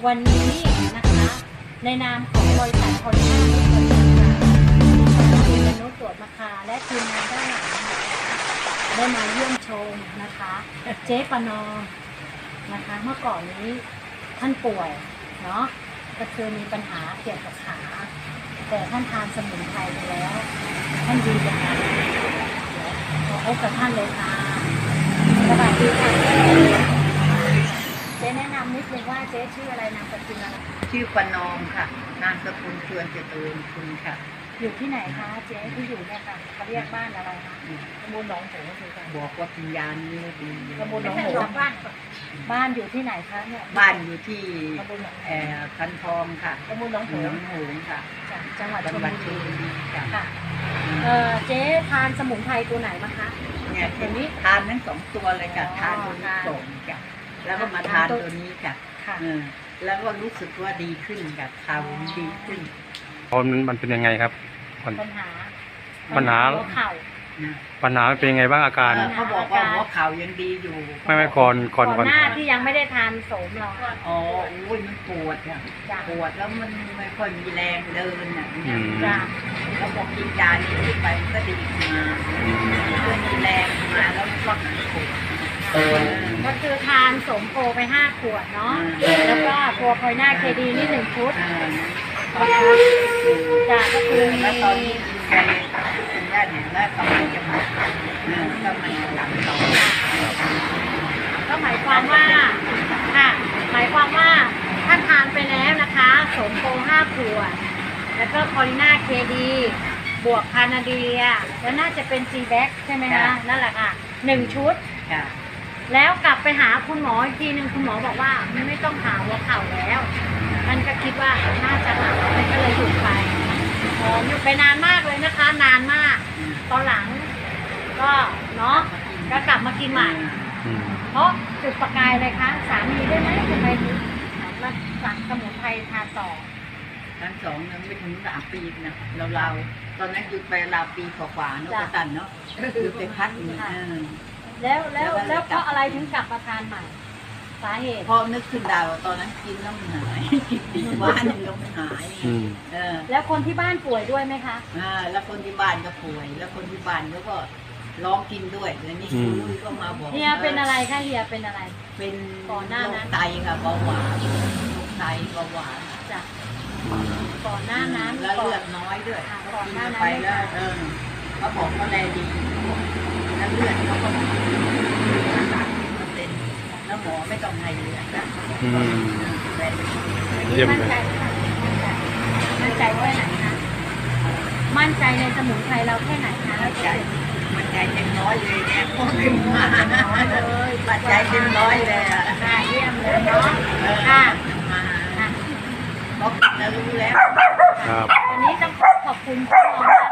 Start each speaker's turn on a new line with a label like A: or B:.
A: วันนี้นะคะในนามของบริษัทคอนด้าทุกคนคุณมนุษย์ตรวจมาคาและทีมงานด้านหลังได้มาเยี่ยมชมนะคะเจ๊ประนอมนะคะเมื่อก่อนนี้ท่านป่วยเนาะก็คือมีปัญหาเกี่ยวกับขาแต่ท่านทานสมุนไพรไปแล้วท่านดีจังเลยขอพบกับท่านเลยค่ะสวัสดีค่ะเจ๊แนะนำนิดนึงว่าเจ๊ชื่ออะไรนามสกุลอะไร
B: ชื่อประนอมค่ะนามสกุลชวนเจริญคุณค่ะ
A: อยู่ที่ไหนคะเจ๊ที่อยู่เนี่ยค่ะเขาเรียกบ้านอะไรคะตำบลหนองโถงคือกัน
B: บอกว่าปัญญานี่ดี
A: ตำบลหนองโถงบ้านอยู่ที่ไหนคะเนี่ย
B: บ้านอยู่ที่
A: ตำบลหนองโถง
B: คันทองค่ะ
A: ตำบลหนองโถ
B: หน
A: ง
B: องหงส์ค่ะ
A: จากจังหวัดช
B: จั
A: ล
B: งหวัด
A: บุ
B: ชล
A: รี
B: บุรีค่ะ
A: ค่ะเจ๊ทานสมุนไพรตัวไหนมาคะ
B: เนี่ย
A: ตัวนี้
B: ทานทั้งสองตัวเลยค่ะทานตัวนี้ส่งค่ะแล้วก็มาทานตัวนี้ค่ะ
A: ค่ะ
B: แล้วก็รู้สึกว่าดีขึ้นค่ะข่าวดีขึ้น
C: มันเป็นยังไงครับ
A: ปัญหา
C: ปัญหา
A: หัวเข่า
B: นะ
C: ปัญหาเป็นยังไงบ้างอาการ
B: เขาบอกว่าหัวเข่ายังดีอยู่
C: ไม่ก่อน
A: ก่อนหน้าที่ยังไม่ได้ทานโสมเรา
B: อ๋อโอ้ยมันปวดอ่ะ
A: จ้ะ
B: ปวดแล้วมันไม่ค่อยมีแรงเดินอ่ะ
A: จ้ะ
B: แล้วพอกินยานี้ไปมันก็ดีขึ้นมาก็มีแรงมาแล้วก็หายปวด
A: ก็คือทานโสมโพไป5 ขวดเนาะแล้วก็ตัวพอยนาเคดีนี่1 ชุด จ้ะก็คือมี
B: แล้วตอนนี้กินไปกินได้เนี่ยแล้วก็มันจะหมดก็มันหลังต่อ
A: ก็หมายความว่าค่ะหมายความว่าท่านทานไปแล้วนะคะโสมโพ5 ขวดแล้วก็พอลิน่าเคดีบวกคานาเดียแล้วน่าจะเป็นซีแบ็กใช่ไหมคะนั่นแหละค่ะ1 ชุด
B: ค่ะ
A: แล้วกลับไปหาคุณหมออีกทีนึงคุณหมอบอกว่าไม่ต้องหาหัวเข่าแล้วมันก็คิดว่าน่าจะหายมันก็เลยหยุดไปหยุดไปนานมากเลยนะคะ นานมาก ตอนหลังก็เนาะก็กลับมากินใหม่ เพราะจุดประกายเลยคะสามีได้ไหมทำไมถึงมาสั่งสมุนไพรทานต่อ
B: ทั้งสองยังไม่ถึง3 ปีนะเราตอนนั้นหยุดไปราวปีกว่าๆเนาะกระตันเนาะหยุดไปพักหนึง
A: แล้วเพราะอะไรถึงกลับมาทานใหม่ สาเหตุ
B: พอนึกขึ้นได้ว่าตอนนั้นกินแล้วมันหายกินปีว่าหนึ่งแล้วมันหาย
A: แล้วคนที่บ้านป่วยด้วยไหมคะ
B: แล้วคนที่บ้านก็ป่วย แล้วคนที่บ้านเขาก็ร้องกินด้วยแล้วนี่คุยก็มาบอก
A: เฮียเป็นอะไรคะเฮียเป็นอะไร
B: เป็น
A: ก่อนหน้านั้น
B: โรคไตค่ะเบาหวานโรคไตเบาหวาน
A: จ้ะก่อนหน้านั้น
B: แล้วเลือดน้อยด้วย
A: ก่อนหน้านั้น
B: ไปแล้วเขาบอกเขาแลดีแล้วเลือดเขาก็30%แล้วหมอไม่ต้องให้เลือดนะแลดี
C: เยี่ยม
A: มั่น
C: เลย
A: ใจค่ะมั่นใจแค่ไหนคะมั่นใจในสมุนไพรเราแค่ไหนคะแล้ว
B: ใจมันใจเต็มร้อยเลยเนี่ยพอขึ้นมา
A: เลย
B: ปัจจัยเต็มร้อยเลยอ่ะ
A: ค่ะเยี่ยมเลยเนาะค่ะ
B: มา
A: ค่ะ
B: บอกแล้วรู้แล้ว
C: ครับ
A: วันนี้ต้องขอบคุณคุณหมอมาก